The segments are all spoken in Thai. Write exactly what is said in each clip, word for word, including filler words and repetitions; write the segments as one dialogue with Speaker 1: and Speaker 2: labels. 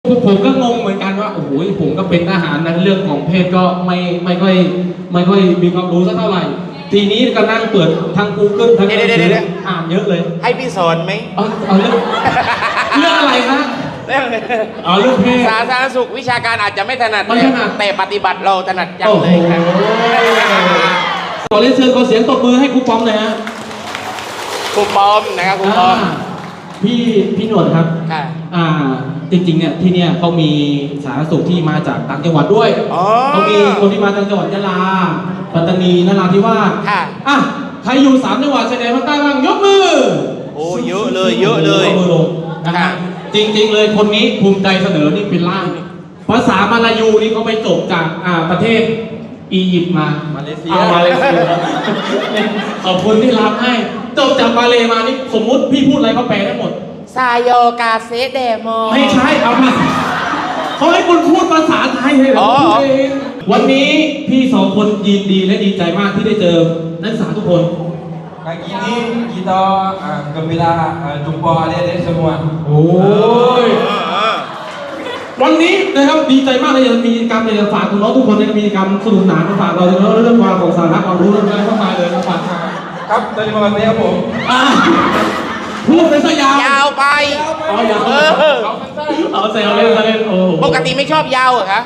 Speaker 1: วกผมก็งงเหมือนกันว่าโอ้โหผมก็เป็นทหารนั้นเรื่องของเพศก็ไม่ไม่ค่อยไม่ค่อยมีความรู้สักเท่าไหร่ทีนี้ก็นั่งเปิดทาง Google ทางอ่านเยอะเลย
Speaker 2: ให้พี่สอนไหม
Speaker 1: เอาเอาเรื่องเรื่องอะไรครับ
Speaker 2: เรื่อง
Speaker 1: อ๋อเรื่องเพศ
Speaker 2: สาธารณสุขวิชาการอาจจะไม่ถนัด
Speaker 1: ไม่ถนัด
Speaker 2: แต่ปฏิบัติเราถนัดจังเลยครับ
Speaker 1: ขอเรียนเชิญขอเสียงตบมือให้ครูปอมหน่อยฮะ
Speaker 2: ครูปอมนะครับครูปอม
Speaker 1: พี่พี่หนวดครับอ่าจริงๆเนี่ยที่เนี่ยเขามีสาธารณสุขที่มาจากต่างจังหวัดด้วยเขามีคนที่มาจากจังหวัดยะลาปัตตานีนราธิวาสอ่ะใครอยู่สามจังหวัดชายแดนภาคใต้บ้างยกมือ
Speaker 2: โอ้เยอะเลยเยอะเลย
Speaker 1: มือลงนะฮะจริงๆเลยคนนี้ภูมิใจเสนอนี่เป็นล่างภาษามาลายูนี่เขาไปจบจากอ่าประเทศอียิปต์มา
Speaker 2: มาเลเซีย
Speaker 1: มาเลเซียขอบคุณที่รับให้จบจากมาเลมานี่สมมุติพี่พูดอะไรเขาแปลได้หมด
Speaker 2: ซาโยกาเซเดโม
Speaker 1: ไม่ใช่เอามาเขาให้คุณพูดภาษาไทยเลยเหรอวันนี้พี่สองคนยินดีและดีใจมากที่ได้เจอนักศึกษาทุกคน
Speaker 3: Pagi ini kita uh, gembira uh, jumpa adik-adik semua.
Speaker 1: โอ้ยวันนี้นะครับดีใจมากเลยมีกิจกรรมอยากฝากคุณน้องทุกคนในกิจกรรมสนุกสนานมาฝากเราเรื่องเรื่องความของสาระความรู้เรื่องอะไรเข้ามาเลยนะฝาก
Speaker 3: ครับ terima kasih ครับผม
Speaker 1: พูดไปซะยาวย
Speaker 2: าวไป
Speaker 1: อ๋อยาวเอาเซลเล่นเล่นโอ้
Speaker 2: ปกติไม่ชอบยาวเหรอคะ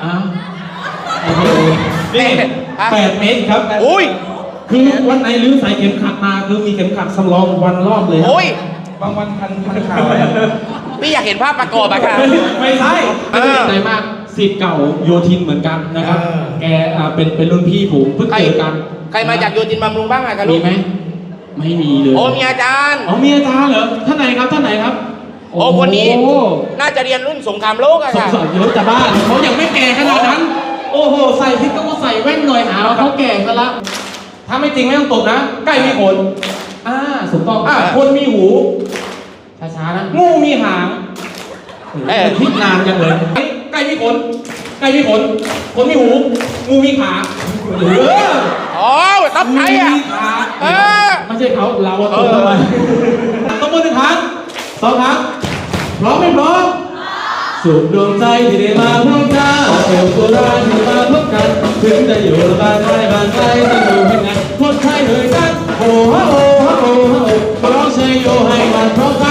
Speaker 1: นี่แปดเมตรครับ
Speaker 2: อุ้ย
Speaker 1: คือวันไหนลื้อสายเข็มขัดมาคือมีเข็มขัดสำรองวันรอบเลย
Speaker 2: โอ้ย
Speaker 3: บางวันพันพันข่าว
Speaker 2: พี่อยากเห็นภาพประกอบอะค่ะ
Speaker 1: ไม่ใช่ไม่ได้ใจมากศิษย์เก่าโยธินเหมือนกันนะครับแกเป็นเป็นรุ่นพี่ผมเพิ่งเจอกัน
Speaker 2: ใครมาจากโยธินบำรุงบ้างอะครับ
Speaker 1: มีไหมไม่มีเลย
Speaker 2: โอ้มีอาจารย์
Speaker 1: อ๋อมีอาจารย์เหรอท่านไหนครับท่านไหนครับ
Speaker 2: โอ้คนนี้น่าจะเรียนรุ่นสงครามโลกอะค่ะ
Speaker 1: สงครามโลกจะบ้าเขายังไม่แก่ขนาดนั้นโอ้โหใส่พิกก็ใส่แว่นหน่อยหาว่าเขาแก่ซะละถ้าไม่จริงไม่ต้องตบนะใกล้มีขนอ่าถูกต้องอ่าคนมีหูช้าๆนะงูมีหางเอ๊ะคิดนานจังเลยใกล้มีขนใกล้มีขนคนมีหูงูมีขาเออ
Speaker 2: อ๋อต้องใครอ่ะ
Speaker 1: เออไม่ใช่เขาเราตบทำไมต้องมือหนึ่งครั้งสองครั้งพร้อมไม่พร้อมสุขดวงใจที่ได้มาพบกันเกี่ยวกับเราที่มาพบกันถึงจะอยู่บ้านใกล้บ้านไกลจะอยู่ยังไงพดใครเลยกันโอ้โหโอ้โหโอ้โหร้องเชยโยให้มันพร้อม